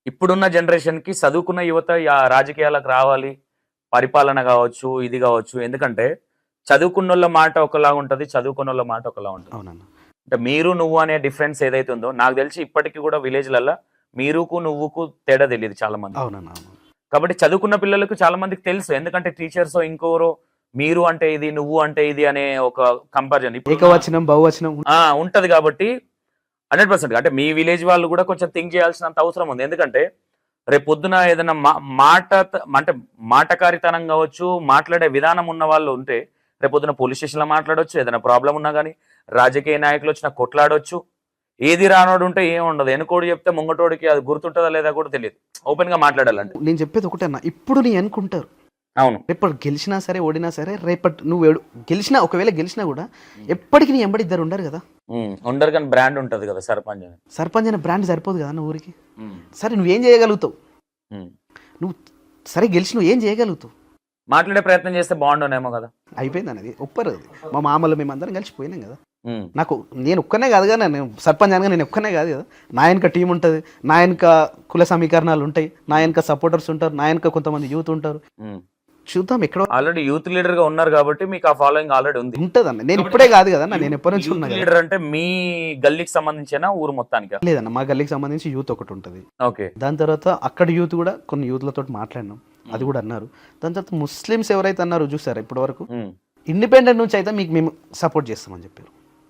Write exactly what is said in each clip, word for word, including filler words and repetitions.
ఇప్పుడున్న జనరేషన్‌కి చదువుకున్న యువత యా రాజకీయాలకు రావాలి. పరిపాలన గావచ్చు, ఇది గావచ్చు. ఎందుకంటే చదువుకున్నోళ్ళ మాట ఒకలాగా ఉంటది. చదువుకున్నోళ్ళ మాట ఒకలా ఉంటది. అవునన్న. అంటే మీరు, నువ్వు అనే డిఫరెన్స్ ఏదైతే ఉందో నాకు తెలిసి ఇప్పటికి కూడా విలేజ్‌లల్ల మీరుకు, నువ్వుకు తేడా తెలీదు చాలా మందికి. అవునన్న. అవును. కాబట్టి చదువుకున్న పిల్లలకు చాలా మందికి తెలుసు. ఎందుకంటే టీచర్సో ఇంకెవరో మీరు అంటే ఇది, నువ్వు అంటే ఇది అనే ఒక కంపారిజన్ ఇప్పుడు ఏకవచనం, బహువచనం ఆ! ఉంటది కాబట్టి వంద శాతం అంటే మీ విలేజ్ వాళ్ళు కూడా కొంచెం థింక్ చేయాల్సినంత అవసరం ఉంది. ఎందుకంటే రేపొద్దున ఏదైనా మా మాట త అంటే మాటకారితనం గావచ్చు, మాట్లాడే విధానం ఉన్న వాళ్ళు ఉంటే రేపొద్దున పోలీస్ స్టేషన్‌లో మాట్లాడొచ్చు. ఏదైనా ప్రాబ్లమ్ ఉన్నా గాని రాజకీయ నాయకులొచ్చినా కొట్లాడొచ్చు. ఏది రానోడు ఉంటే ఏముండదు. ఎనకోడు చెప్తే ముంగటోడికి అది గుర్తుంటదా లేదా కూడా తెలీదు. ఓపెన్‌గా మాట్లాడాలంటే. నేను చెప్పేది ఒకటే అన్న. ఇప్పుడు నీ అనుకుంటారు. అవును. రేపటి గెలిచినా సరే, ఓడినా సరే రేపటి నువ్వు ఏడు గెలిచినా ఒకవేళ గెలిచినా కూడా ఎప్పటికి నీ ఎంబడి ఇద్దరు ఉండరు కదా. హ్మ్. ఉండరు కానీ బ్రాండ్ ఉంటది కదా సర్పంచ్ అని. సర్పంచ్ అనే బ్రాండ్ సరిపోదు కదా అన్న ఊరికి. హ్మ్. సరే నువ్వేం చేయగలుగుతావు? హ్మ్. నువ్వు సరే గెలిచి నువ్వు ఏం చేయగలుగుతావు? మాట్లాడే ప్రయత్నం చేస్తే బాగుండునేమో కదా. అయిపోయింది అన్నది ఒప్పరు అది. మా మామలు మేమందరం కలిసి పోయినాం కదా. హ్మ్. నాకు నేను ఒక్కనే కాదు కదా, నేను సర్పంచ్ అనగా నేను ఒక్కనే కాదు కదా. నా వెనక టీం ఉంటుంది, నా వెనక కుల సమీకరణాలు ఉంటాయి, నా వెనక సపోర్టర్స్ ఉంటారు, నా వెనక కొంతమంది యూత్ ఉంటారు. హ్మ్. చూద్దాం ఎక్కడో ఆల్రెడీ యూత్ లీడర్ గా ఉన్నారు కాబట్టి మీకు ఆ ఫాలోయింగ్ ఆల్రెడీ ఉంది. ఉంటుంది అన్న. నేను ఇప్పుడే కాదు కదా, నేను ఎప్పటి నుంచి ఉన్నా యూత్ కదా. లీడర్ అంటే మీ గల్లీకి సంబంధించిన ఊరు మొత్తానికి. లేదన్న, మా గల్లీకి సంబంధించి యూత్ ఒకటి ఉంటుంది. ఓకే. దాని తర్వాత అక్కడ యూత్ కూడా కొన్ని యూత్లతో మాట్లాడినాం, అది కూడా అన్నారు. దాని తర్వాత ముస్లిమ్స్ ఎవరైతే అన్నారో చూసారా ఇప్పటి వరకు, ఇండిపెండెంట్ నుంచి అయితే మీకు మేము సపోర్ట్ చేస్తామని చెప్పారు.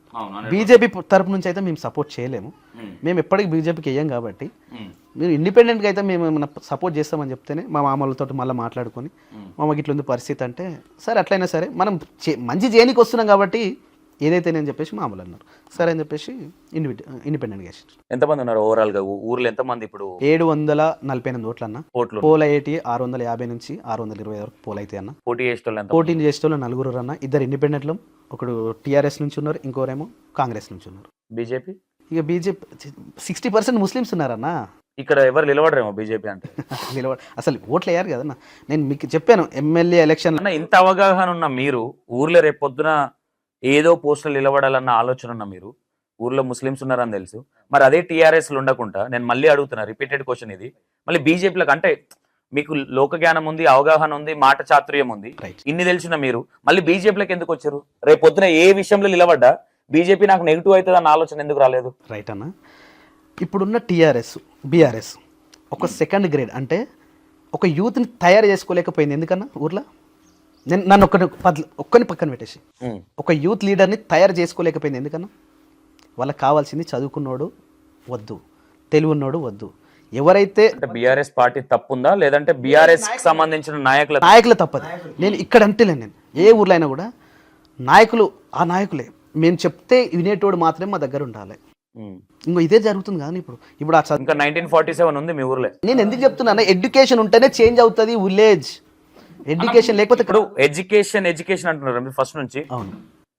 బీజేపీ తరపు నుంచి అయితే మేము సపోర్ట్ చేయలేము, మేము ఎప్పటికీ బీజేపీకి వేయం కాబట్టి మీరు ఇండిపెండెంట్గా అయితే మేము ఏమైనా సపోర్ట్ చేస్తామని చెప్తేనే మా మామలతో మళ్ళీ మాట్లాడుకొని మామకి ఇట్లా ఉంది పరిస్థితి అంటే సరే అట్లయినా సరే మనం మంచి చేయనికి వస్తున్నాం కాబట్టి ఏదైతే నేను చెప్పేసి మామూలు అన్నారు. సరే అని చెప్పేసి ఇండిపెండెంట్ ఇండిపెండెంట్గా వేసారు. ఎంతమంది ఉన్నారు ఓవరాల్ గా ఊర్లో ఎంతమంది ఇప్పుడు? ఏడు వందల నలభై ఎనిమిది ఓట్లు అన్న. ఓట్లు పోల్ అయ్యేటి ఆరు వందల యాభై నుంచి ఆరు వందల ఇరవై వరకు పోల్ అయితే అన్న. పోటీ చేసేటోళ్ళు పోటీ చేసేటోళ్ళు నలుగురు అన్న. ఇద్దరు ఇండిపెండెంట్లు, ఒకడు టీఆర్ఎస్ నుంచి ఉన్నారు, ఇంకోరేమో కాంగ్రెస్ నుంచి ఉన్నారు. బీజేపీ ఇక బీజేపీ సిక్స్టీ పర్సెంట్ ముస్లిమ్స్ ఉన్నారన్న. ఇక్కడ ఎవరు నిలబడరేమో బీజేపీ అంటే. నిలబడ అసలు ఓట్లు వేయారు కదన్న. నేను మీకు చెప్పాను ఎమ్మెల్యే ఎలక్షన్ అన్న ఇంత అవగాహన ఉన్న మీరు ఊర్లో రేపు పొద్దున ఏదో పోస్టులు నిలబడాలన్న ఆలోచన ఉన్న మీరు ఊర్లో ముస్లిమ్స్ ఉన్నారని తెలుసు, మరి అదే టీఆర్ఎస్లు ఉండకుండా నేను మళ్ళీ అడుగుతున్నా, రిపీటెడ్ క్వశ్చన్ ఇది, మళ్ళీ బీజేపీలకు అంటే మీకు లోక జ్ఞానం ఉంది, అవగాహన ఉంది, మాట చాతుర్యం ఉంది, ఇన్ని తెలిసిన మీరు మళ్ళీ బీజేపీలకు ఎందుకు వచ్చారు? రేపు పొద్దున ఏ విషయంలో నిలబడ్డా బీజేపీ నాకు నెగిటివ్ అవుతుంది అన్న ఆలోచన ఎందుకు రాలేదు? రైట్ అన్న. ఇప్పుడున్న టీఆర్ఎస్ బీఆర్ఎస్ ఒక సెకండ్ గ్రేడ్ అంటే ఒక యూత్ని తయారు చేసుకోలేకపోయింది. ఎందుకన్నా ఊర్లో నేను నన్ను ఒక్కని పద్ ఒక్కని పక్కన పెట్టేసి ఒక యూత్ లీడర్ని తయారు చేసుకోలేకపోయింది. ఎందుకన్నా వాళ్ళకి కావాల్సింది చదువుకున్నోడు వద్దు, తెలివి ఉన్నోడు వద్దు. ఎవరైతే బీఆర్ఎస్ పార్టీ తప్పుందా లేదంటే బీఆర్ఎస్ సంబంధించిన నాయకుల నాయకులు తప్పదు. నేను ఇక్కడ అంటేలే, నేను ఏ ఊర్లో అయినా కూడా నాయకులు ఆ నాయకులే, మేము చెప్తే వినేటోడు మాత్రమే మా దగ్గర ఉండాలి. ఇంకో ఇదే జరుగుతుంది కానీ ఇప్పుడు ఇప్పుడు ఆ ఇంకా నైన్టీన్ ఫార్టీ సెవెన్ ఉంది మీ ఊర్లో. నేను ఎందుకు చెప్తున్నా, ఎడ్యుకేషన్ ఉంటేనే చేంజ్ అవుతుంది విలేజ్. ఎడ్యుకేషన్ లేకపోతే ఇప్పుడు ఎడ్యుకేషన్ ఎడ్యుకేషన్ అంటున్నారు ఫస్ట్ నుంచి. అవును,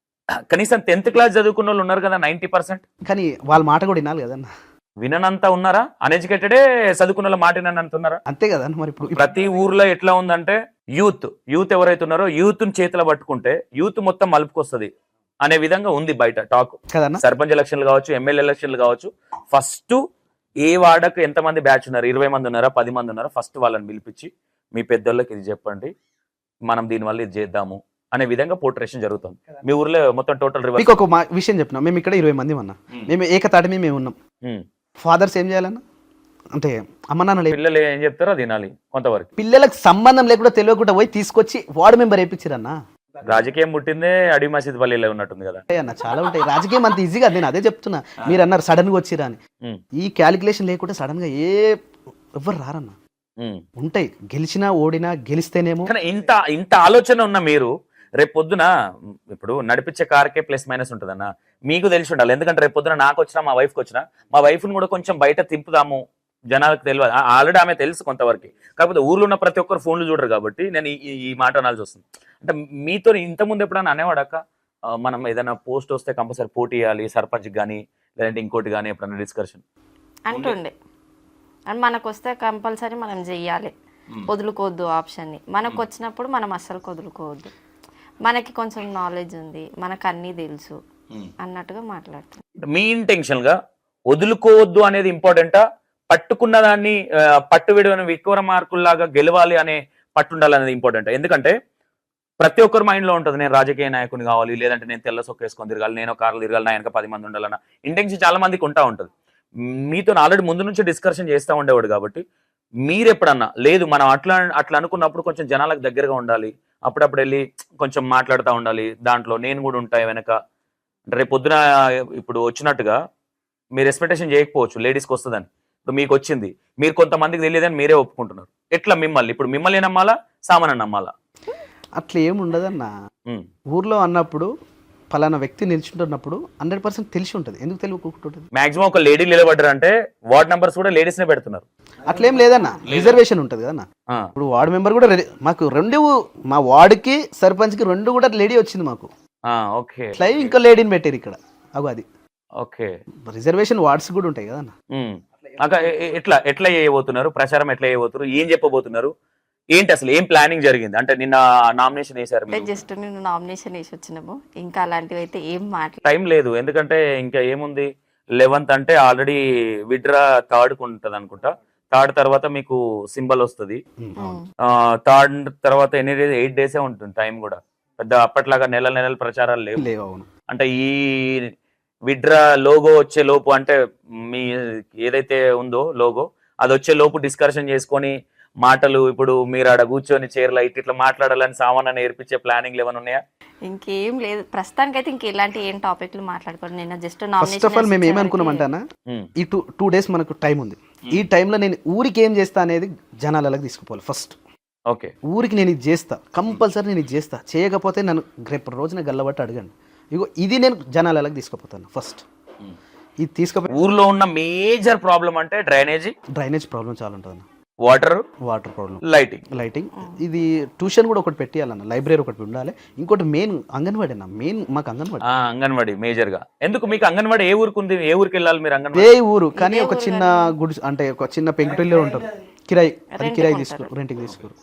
కనీసం టెన్త్ క్లాస్ చదువుకున్న వాళ్ళు ఉన్నారు కదా నైన్టీ పర్సెంట్. కానీ వాళ్ళ మాట కూడా వినాలి కదన్న. వినంతా ఉన్నారా? అన్ఎడ్యుకేటెడే చదువుకున్న వాళ్ళ మాట వినంటున్నారా? అంతే కదా. మరి ఇప్పుడు ప్రతి ఊర్లో ఎట్లా ఉందంటే యూత్ యూత్ ఎవరైతే ఉన్నారో యూత్ ని చేతిలో పట్టుకుంటే యూత్ మొత్తం మలుపుకొస్తుంది అనే విధంగా ఉంది బయట టాక్ కదన్నా. సర్పంచ్ ఎలక్షన్లు కావచ్చు, ఎమ్మెల్యే ఎలక్షన్లు కావచ్చు, ఫస్ట్ ఏ వార్డుకు ఎంతమంది బ్యాచ్ ఉన్నారు, ఇరవై మంది ఉన్నారా, పది మంది ఉన్నారా, ఫస్ట్ వాళ్ళని పిలిపించి మీ పెద్దోళ్ళకి ఇది చెప్పండి, మనం దీనివల్ల ఇది చేద్దాము అనే విధంగా పోర్ట్రేషన్ జరుగుతుంది. మీ ఊర్లో మొత్తం టోటల్ మీకు ఒక విషయం చెప్పినా, మేము ఇక్కడ ఇరవై మంది ఉన్నా, మేము ఏకతాటి మేము ఉన్నాం. ఫాదర్స్ ఏం చేయాలన్నా అంటే అమ్మ నాన్న పిల్లలు ఏం చెప్తారో తినాలి. కొంతవరకు పిల్లలకు సంబంధం లేకుండా తెలియకుండా పోయి తీసుకొచ్చి వార్డు మెంబర్ వేయించారన్నా. రాజకీయం పుట్టిందే అడి మసీద్ పల్లిలో ఉన్నట్టుంది కదా అన్న. చాలా ఉంటాయి రాజకీయం, అంత ఈజీగా. నేను అదే చెప్తున్నా, మీరు అన్నారు సడన్ గా వచ్చిరా అని. ఈ క్యాలిక్యులేషన్ లేకుండా సడన్ గా ఏ ఎవ్వరు రారన్న. ఉంటాయి, గెలిచినా ఓడినా గెలిస్తేనేమో. ఇంత ఇంత ఆలోచన ఉన్న మీరు రేపు పొద్దున ఇప్పుడు నడిపించే కార్కే ప్లస్ మైనస్ ఉంటుందన్న మీకు తెలిసి ఉండాలి. ఎందుకంటే రేపు పొద్దున నాకు వచ్చినా మా వైఫ్కి వచ్చినా మా వైఫ్ని కూడా కొంచెం బయట తిప్పుదాము, జనాలకు తెలియదు. ఆల్రెడీ ఆమె తెలుసు కొంతవరకు, కాకపోతే ఊర్లో ఉన్న ప్రతి ఒక్కరు ఫోన్లు చూడరు కాబట్టి నేను ఈ మాట అనాల్సి వస్తుంది. అంటే మీతో ఇంతకుముందు ఎప్పుడైనా అనేవాడక్క మనం ఏదైనా పోస్ట్ వస్తే కంపల్సరీ పోటీ చేయాలి సర్పంచ్ కానీ లేదంటే ఇంకోటి కానీ ఎప్పుడైనా డిస్కషన్ అంటుండే? అండ్ మనకు వస్తే కంపల్సరీ మనం చెయ్యాలి, వదులుకోవద్దు ఆప్షన్ని. మనకు వచ్చినప్పుడు మనం అస్సలు వదులుకోవద్దు, మనకి కొంచెం నాలెడ్జ్ ఉంది, మనకు అన్నీ తెలుసు అన్నట్టుగా మాట్లాడుతుంది. మీ ఇంటెన్షన్ గా వదులుకోవద్దు అనేది ఇంపార్టెంటా, పట్టుకున్న దాన్ని ఆ, పట్టు విడవని విక్రమార్కుల్లాగా గెలవాలి అనే పట్టు ఉండాలనేది ఇంపార్టెంట్. ఎందుకంటే ప్రతి ఒక్కరి మైండ్ లో ఉంటుంది నేను రాజకీయ నాయకుని కావాలి, లేదంటే నేను తెల్ల సొక్క వేసుకొని తిరగాలి, నేను కార్లు తిరగాలి, నా వెనక పది మంది ఉండాలన్న ఇంటెన్షన్ చాలా మందికి ఉంటా ఉంటుంది. మీతో ఆల్రెడీ ముందు నుంచి డిస్కషన్ చేస్తూ ఉండేవాడు కాబట్టి మీరు ఎప్పుడన్నా లేదు మనం అట్లా అట్లా అనుకున్నప్పుడు కొంచెం జనాలకు దగ్గరగా ఉండాలి, అప్పుడప్పుడు వెళ్ళి కొంచెం మాట్లాడుతూ ఉండాలి, దాంట్లో నేను కూడా ఉంటాయి వెనక. రేపు పొద్దున ఇప్పుడు వచ్చినట్టుగా మీరు ఎక్స్పెక్టేషన్ చేయకపోవచ్చు లేడీస్కి వస్తుందని, ఇప్పుడు మీకు వచ్చింది, మీరు కొంతమందికి తెలియదని మీరే ఒప్పుకుంటున్నారు. ఎట్లా మిమ్మల్ని ఇప్పుడు మిమ్మల్ని నమ్మాలా సామాన్ నమ్మాలా? అట్లా ఏమి ఉండదన్న. ఊర్లో అన్నప్పుడు పలానా వ్యక్తి నిల్చుంటున్నప్పుడు హండ్రెడ్ పర్సెంట్ తెలిసి ఉంటుంది. ఎందుకు తెలియకుంటుంది? మాక్సిమం ఒక లేడీ నిలబడ్డారు అంటే వార్డ్ నంబర్స్ కూడా లేడీస్ నే పెడుతున్నారు. అట్లేం లేదన్న, రిజర్వేషన్ ఉంటుంది కదన్న. ఇప్పుడు వార్డు మెంబర్ కూడా రెడీ, మాకు రెండు మా వార్డుకి సర్పంచ్ కి రెండు కూడా లేడీ వచ్చింది మాకు. ఓకే, లైవ్ ఇంకో లేడీని పెట్టారు ఇక్కడ. అగో అది ఓకే, రిజర్వేషన్ వార్డ్స్ కూడా ఉంటాయి కదన్న. అక్క ఎట్లా ఎట్లా చేయబోతున్నారు, ప్రచారం ఎట్లా చేయబోతున్నారు, ఏం చెప్పబోతున్నారు, ఏంటి అసలు ఏం ప్లానింగ్ జరిగింది? అంటే నిన్న నామినేషన్ వేశారు, జస్ట్ నేను నామినేషన్ వేసి వచ్చినాము, ఇంకా అలాంటివి అయితే ఏం మాట్లా టైం లేదు. ఎందుకంటే ఇంకా ఏముంది, లెవెన్త్ అంటే ఆల్రెడీ విడ్రా థర్డ్ కు ఉంటది అనుకుంటా. థర్డ్ తర్వాత మీకు సింబల్ వస్తుంది. థర్డ్ తర్వాత ఎన్ని డేస్, ఎయిట్ డేసే ఉంటుంది టైం కూడా. పెద్ద అప్పట్లాగా నెల నెలల ప్రచారాలు లేవు. లేవు, అవును. అంటే ఈ విడ్రా లోగో వచ్చే లోపు, అంటే మీ ఏదైతే ఉందో లోగో అది వచ్చే లోపు డిస్కషన్ చేసుకొని మాటలు, ఇప్పుడు మీరు ఆడ కూర్చొని చీరలో ఇట్ ఇట్లా మాట్లాడాలని సామాన్ నేర్పించే ప్లానింగ్ ఏమైనా ఉన్నాయా? ఇంకేం లేదు ప్రస్తుతానికి అయితే. ఇంక ఇలాంటి ఏం టాపిక్లు మాట్లాడుకోండి. నేను జస్ట్ ఫస్ట్ ఆఫ్ ఆల్ మేము ఏమనుకున్నామంటానా, ఈ టూ టూ డేస్ మనకు టైం ఉంది. ఈ టైంలో నేను ఊరికి ఏం చేస్తా అనేది జనాలకు తీసుకుపోవాలి ఫస్ట్. ఓకే, ఊరికి నేను ఇది చేస్తా, కంపల్సరీ నేను ఇది చేస్తా. చేయకపోతే నన్ను రేపు రోజున గల్లబట్టి అడగండి. ఇగో ఇది నేను జనాలకు తీసుకుపోతాను ఫస్ట్. ఇది తీసుకుపోయి ఊర్లో ఉన్న మేజర్ ప్రాబ్లం అంటే డ్రైనేజీ, డ్రైనేజ్ ప్రాబ్లం చాలా ఉంటుంది. Water water problem, lighting lighting ఇది ట్యూషన్ కూడా ఒకటి పెట్టియాలన్న, లైబ్రరీ ఒకటి ఉండాలి. ఇంకోటి మెయిన్ అంగన్వాడీ అన్న, మెయిన్ మాకు అంగన్వాడీ. అంగన్వాడీ మేజర్ గా. ఎందుకు మీకు అంగన్వాడీ ఏ ఊరికి ఉంది, ఏ ఊరికి వెళ్ళాలి మీరు? అంగన్వాడీ ఏ ఊరు కానీ ఒక చిన్న గుడి, అంటే ఒక చిన్న పెంకుటిల్లో ఉంటారు, కిరాయి, అది కిరాయి తీసుకోరు, రెంట్కి తీసుకోరు.